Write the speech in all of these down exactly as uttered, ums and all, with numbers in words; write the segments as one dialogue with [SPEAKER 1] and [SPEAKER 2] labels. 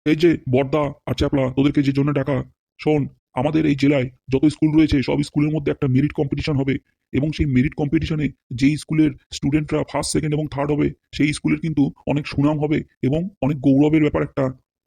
[SPEAKER 1] এই যে বড়দা আর চ্যাপলা, তোদেরকে যে জন্য ডাকা, শোন, আমাদের এই জেলায় যত স্কুল রয়েছে সব স্কুলের মধ্যে একটা মেরিট কম্পিটিশন হবে। এবং সেই মেরিট কম্পিটিশনে যেই স্কুলের স্টুডেন্টরা ফার্স্ট সেকেন্ড এবং থার্ড হবে সেই স্কুলের কিন্তু অনেক সুনাম হবে এবং অনেক গৌরবের ব্যাপার একটা।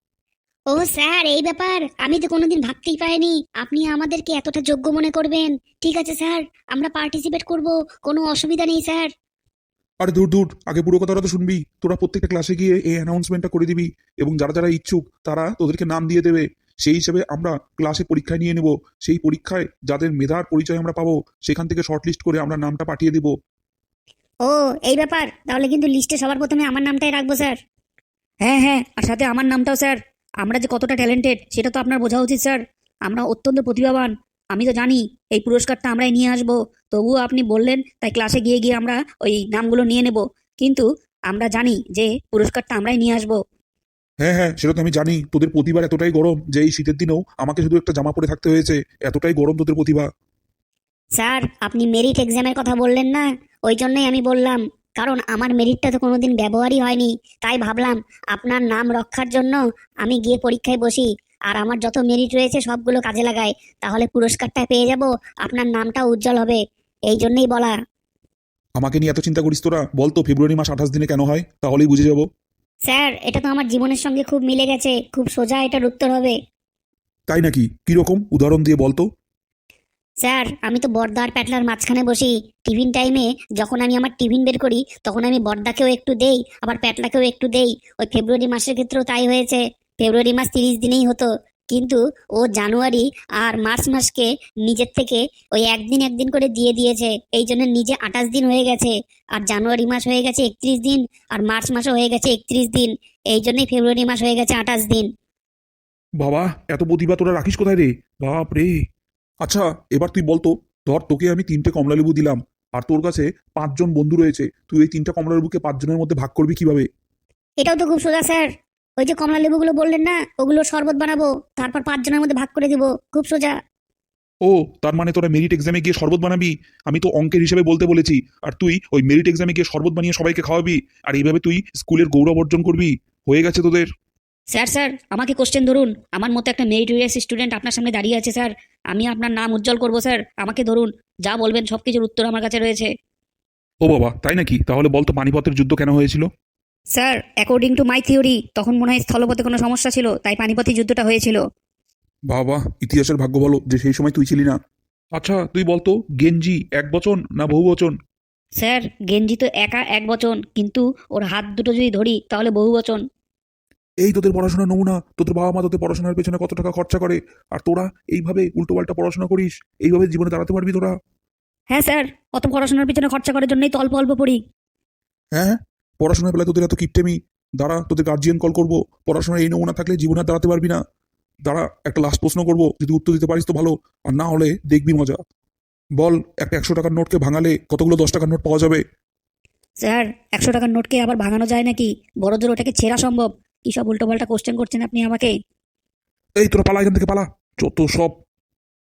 [SPEAKER 2] ও স্যার, এই ব্যাপার আমি তো কোনোদিন ভাবতেই পারিনি আপনি আমাদেরকে এতটা যোগ্য মনে করবেন। ঠিক আছে স্যার, আমরা পার্টিসিপেট করব, কোনো অসুবিধা নেই স্যার।
[SPEAKER 1] আরে দূর দূর, আগে পুরো কথাটা তো শুনবি। তোরা প্রত্যেকটা ক্লাসে গিয়ে এই অ্যানাউন্সমেন্টটা করে দিবি এবং যারা যারা ইচ্ছুক তারা তোদেরকে নাম দিয়ে দেবে। সেই হিসেবে আমরা ক্লাসে পরীক্ষায় নিয়ে নেব। সেই পরীক্ষায় যাদের মেধার পরিচয় আমরা পাবো সেখান থেকে শর্টলিস্ট করে আমরা নামটা পাঠিয়ে দিব।
[SPEAKER 2] ও, এই ব্যাপার, তাহলে কিন্তু লিস্টে সবার প্রথমে আমার নামটাই রাখবো স্যার। হ্যাঁ হ্যাঁ, আর সাথে আমার নামটাও স্যার। আমরা যে কতটা ট্যালেন্টেড সেটা তো আপনার বোঝা উচিত স্যার। আমরা অত্যন্ত প্রতিভাবান। আমি তো জানি এই পুরস্কারটা আমরাই নিয়ে আসবো। তবুও আপনি বললেন তাই ক্লাসে গিয়ে গিয়ে আমরা ওই নামগুলো নিয়ে নেব। কিন্তু আমরা জানি যে পুরস্কারটা আমরাই নিয়ে আসবো।
[SPEAKER 1] হ্যাঁ হ্যাঁ, সেটা তো আমি জানি। তোদের প্রতিভার এতটাই গরম যে এই শীতের দিনেও আমাকে শুধু একটা জামা পরে থাকতে হয়েছে। এতটাই গরম তোদের প্রতিভা।
[SPEAKER 2] স্যার, আপনি মেরিট এক্সামের কথা বললেন না, ওই জন্যই আমি বললাম। কারণ আমার মেরিটটা তো কোনোদিন ব্যবহারই হয়নি, তাই ভাবলাম আপনার নাম রক্ষার জন্য আমি গিয়ে পরীক্ষায় বসি, আর আমার যত মেরিট রয়েছে সবগুলো কাজে লাগাই। তাহলে পুরস্কারটা পেয়ে যাব, আপনার নামটা উজ্জ্বল হবে, এই জন্যই বলা।
[SPEAKER 1] আমাকে নিয়ে এত চিন্তা করিস তোরা? বল তো ফেব্রুয়ারি মাস আঠাশ দিনে কেন হয়, তাহলেই বুঝে যাবো।
[SPEAKER 2] স্যার, এটা তো আমার জীবনের সঙ্গে খুব মিলে গেছে, খুব সোজা এটার উত্তর হবে।
[SPEAKER 1] তাই নাকি? কিরকম উদাহরণ দিয়ে বলতো।
[SPEAKER 2] স্যার, আমি তো বড়দা আর প্যাটলার মাঝখানে বসি। টিফিন টাইমে যখন আমি আমার টিফিন বের করি তখন আমি বড়দাকেও একটু দেই, আবার প্যাটলাকেও একটু দেই। ওই ফেব্রুয়ারি মাসের ক্ষেত্রেও তাই হয়েছে। ফেব্রুয়ারি মাস তিরিশ দিনেই হতো, কিন্তু ও জানুয়ারি আর মার্চ মাসকে নিজের থেকে ওই একদিন একদিন করে দিয়ে দিয়েছে, এই জন্য নিজে আঠাশ দিন হয়ে গেছে। আর জানুয়ারি মাস হয়ে গেছে একত্রিশ দিন, আর মার্চ মাসও হয়ে গেছে একত্রিশ দিন, এই জন্যই ফেব্রুয়ারি মাস হয়ে গেছে আঠাশ দিন।
[SPEAKER 1] বাবা, এত প্রতিভা তোরা রাখিস কোথায় রে? বাপ রে। আচ্ছা, এবার তুই বলতো, ধর তোকে আমি তিনটে কমলালেবু দিলাম আর তোর কাছে পাঁচজন বন্ধু রয়েছে, তুই এই তিনটা কমলালেবুকে পাঁচজনের মধ্যে ভাগ করবি কিভাবে?
[SPEAKER 2] এটাও তো খুব সোজা স্যার। ওই যে কমলা লেবুগুলো বললেন না, ওগুলো শরবত বানাবো, তারপর পাঁচজনের মধ্যে ভাগ করে দিব, খুব সোজা।
[SPEAKER 1] ও, তার মানে তোরা মেরিট এক্সামে গিয়ে শরবত বানাবি? আমি তো অঙ্কের হিসেবে বলতে বলেছি, আর তুই ওই মেরিট এক্সামে গিয়ে শরবত বানিয়ে সবাইকে খাওয়াবি, আর এইভাবে তুই স্কুলের গৌরব অর্জন করবি। হয়ে গেছে তোদের।
[SPEAKER 2] স্যার স্যার, আমাকে কোশ্চেন ধরুন। আমার মতো একটা মেরিটোরিয়াস স্টুডেন্ট আপনার সামনে দাঁড়িয়ে আছে স্যার। আমি আপনার নাম উজ্জ্বল করব স্যার, আমাকে ধরুন। যা বলবেন সব কিছুর উত্তর আমার কাছে রয়েছে।
[SPEAKER 1] ও বাবা, তাই নাকি? তাহলে বলতো পানিপথের যুদ্ধ কেন হয়েছিল?
[SPEAKER 2] Sir, according to my theory, তখন মনে হয় স্থলপথে কোনো সমস্যা ছিল, তাই পানিপথী যুদ্ধটা হয়েছিল।
[SPEAKER 1] বাবা, ইতিহাসের ভাগ্য ভালো যে সেই সময় তুই ছিলি না। আচ্ছা, তুই বলতো গেঞ্জি এক বচন না বহু বচন?
[SPEAKER 2] স্যার, গেঞ্জি তো একা এক বচন, কিন্তু ওর হাত দুটো যদি ধরি তাহলে বহু বচন।
[SPEAKER 1] এই তোদের পড়াশোনার নমুনা। তোদের বাবা মা তোদের পড়াশোনার পেছনে কত টাকা খরচা করে, আর তোরা এইভাবে উল্টোপাল্টা পড়াশোনা করিস। এইভাবে জীবনে দাঁড়াতে পারবি তোরা?
[SPEAKER 2] হ্যাঁ স্যার, অত পড়াশোনার পিছনে খরচা করার জন্যই তো অল্প অল্প পড়ি।
[SPEAKER 1] হ্যাঁ, পড়াশোনার বেলায় তোদের এত কিপটেমি। দাঁড়া, তোদের গার্জিয়ান কল করবো। পড়াশোনার এই নমুনা থাকলে জীবনে আর দাঁড়াতে পারবি না। দাঁড়া, একটা লাস্ট প্রশ্ন করবো, যদি উত্তর দিতে পারিস তো ভালো, আর না হলে দেখবি মজা। বল, একটা একশো টাকার নোটকে ভাঙালে কতগুলো দশ টাকার নোট পাওয়া যাবে?
[SPEAKER 2] স্যার, একশো টাকার নোটকে আবার ভাঙানো যায় নাকি? বড় জোর ওটাকে ছেঁড়া সম্ভব। কি সব উল্টোপাল্টা কোশ্চেন করছেন আপনি আমাকে?
[SPEAKER 1] এই তোরা পালা এখান থেকে, পালা। যত সব